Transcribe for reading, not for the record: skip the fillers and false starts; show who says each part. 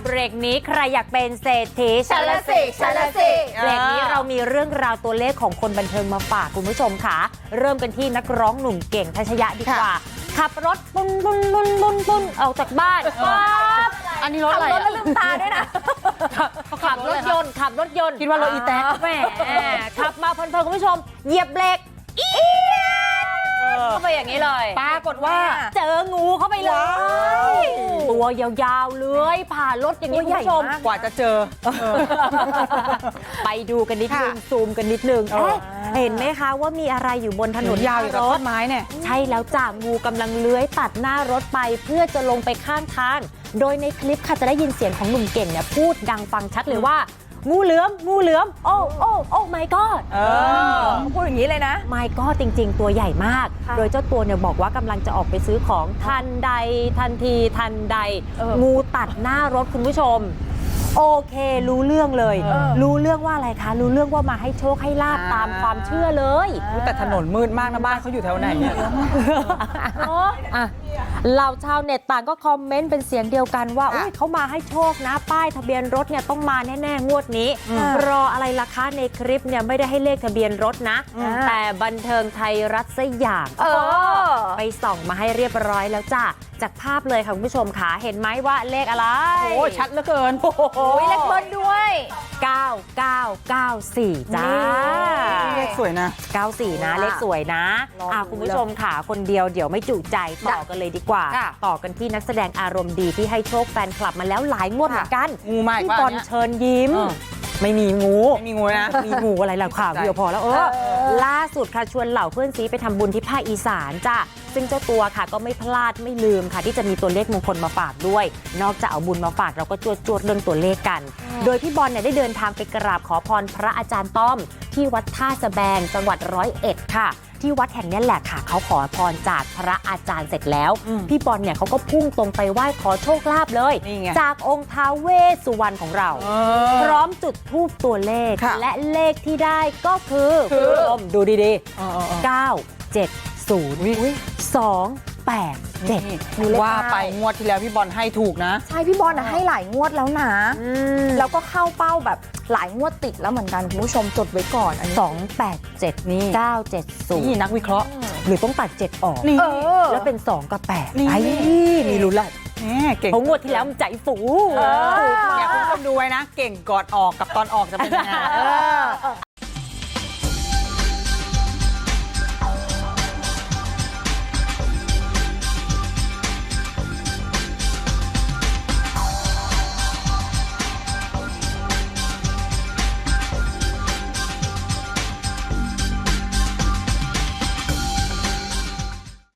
Speaker 1: เบรกนี้ใครอยากเป็นเศรษฐี
Speaker 2: ฉันละสิฉันละสิ
Speaker 1: เบรกนี้เรามีเรื่องราวตัวเลขของคนบันเทิงมาฝากคุณผู้ชมค่ะเริ่มกันที่นักร้องหนุ่มเก่งทัชยะดีกว่าขับรถปุ้นปุ้นปุ้นปุ้นปุ้นออกจากบ้านปั๊บ
Speaker 2: อันนี้รถอะไร
Speaker 1: ขับรถแล้วลืมตาด้วยนะขับรถยนต์คิดว่ารถอีแต๊กแหมขับมาเพลินๆคุณผู้ชมเหยียบเบรกเข้าไปอย่างนี้เลยปรากฏว่าเจองูเข้าไปเลยตัวยาวๆเลื้อยผ่านรถอย่างนี้คุณผู้ชม
Speaker 2: กว่าจะเจอ
Speaker 1: ไปดูกันนิดนึงซูมกันนิดนึงเห็นไหมคะว่ามีอะไรอยู่บนถนน
Speaker 2: ยาวอยู่กับต้นไม้เนี่ย
Speaker 1: ใช่แล้วจ้ะงูกำลังเลื้อยตัดหน้ารถไปเพื่อจะลงไปข้างทางโดยในคลิปค่ะจะได้ยินเสียงของหนุ่มเก่งเนี่ยพูดดังฟังชัดเลยว่างูเหลือมโอ้ my god
Speaker 2: พูดอย่างนี้เลยนะ
Speaker 1: my god จริงๆตัวใหญ่มากโดยเจ้าตัวเนี่ยบอกว่ากำลังจะออกไปซื้อของทันใดงูตัดหน้ารถคุณผู้ชมโอเครู้เรื่องเลยรู้เรื่องว่าอะไรคะรู้เรื่องว่ามาให้โชคให้ลาบตามความเชื่อเลย
Speaker 2: แต่ถนนมืดมากนะบ้านเขาอยู่แถวไหนเนี่ย
Speaker 1: เหล่าชาวเน็ตต่างก็คอมเมนต์เป็นเสียงเดียวกันว่าอุ๊ยเขามาให้โชคนะป้ายทะเบียนรถเนี่ยต้องมาแน่ๆงวดนี้รออะไรล่ะคะในคลิปเนี่ยไม่ได้ให้เลขทะเบียนรถนะแต่บันเทิงไทยรัฐซะอย่างไปส่องมาให้เรียบร้อยแล้วจ้ะจากภาพเลยค่ะคุณผู้ชมค่ะเห็นไหมว่าเลขอะไร
Speaker 2: โอ้ชัดเหลือเกิน
Speaker 1: โอ้ย
Speaker 2: เลขเบิ้ลด้วย
Speaker 1: 9994จ้า
Speaker 2: เลขสวยนะ
Speaker 1: 94นะเลขสวยนะคุณผู้ชมค่ะคนเดียวเดี๋ยวไม่จุใจต่อกันเลยดีกว่าต่อกันที่นักแสดงอารมณ์ดีที่ให้โชคแฟนคลับมาแล้วหลายงวดเหมือนกัน
Speaker 2: งูมาอีก
Speaker 1: พี่
Speaker 2: ว่า
Speaker 1: บอลเชิญยิ้มไม่มีงู
Speaker 2: ไม่มีงูนะ
Speaker 1: มีงูอะไรล่ะค่ะเดียวพอแล้วล่าสุดค่ะชวนเหล่าเพื่อนซีไปทำบุญที่ภาคอีสานจ้ะซึ่งเจ้าตัวค่ะก็ไม่พลาดไม่ลืมค่ะที่จะมีตัวเลขมงคลมาฝากด้วยนอกจากเอาบุญมาฝากเราก็จวดเรื่องตัวเลขกัน โดยพี่บอลเนี่ยได้เดินทางไปกราบขอพรพระอาจารย์ต้อมที่วัดท่าสะแบงจังหวัด101ค่ะที่วัดแห่งนี้แหละค่ะเขาขอพรจากพระอาจารย์เสร็จแล้วพี่บอลเนี่ยเขาก็พุ่งตรงไปไหว้ขอโชคลาภเลยจากองค์ท้าวเวสสุวรรณของเราพร้อมจุดธูปตัวเลขและเลขที่ได้ก็คือดูดีๆ97028
Speaker 2: ว่าไปงวดที่แล้วพี่บอลให้ถูกนะ
Speaker 3: ใช่พี่บอลให้หลายงวดแล้วนะแล้วก็เข้าเป้าแบบหลายงวดติดแล้วเหมือนกันคุณผู้ชมจดไว้ก่อนอันนี้
Speaker 1: 287นี่970
Speaker 2: นี่นักวิเคราะห์
Speaker 1: หรือต้องตัด7ออกแล้วเป็น2กับ8ไอ้มีลุ้นละ
Speaker 2: เก่ง
Speaker 1: เพราะงวดที่แล้วมันใจฟู
Speaker 2: อยากคุณผู้ชมดูไว้นะเก่งก่อนออกกับตอนออกจะเป็นยังไง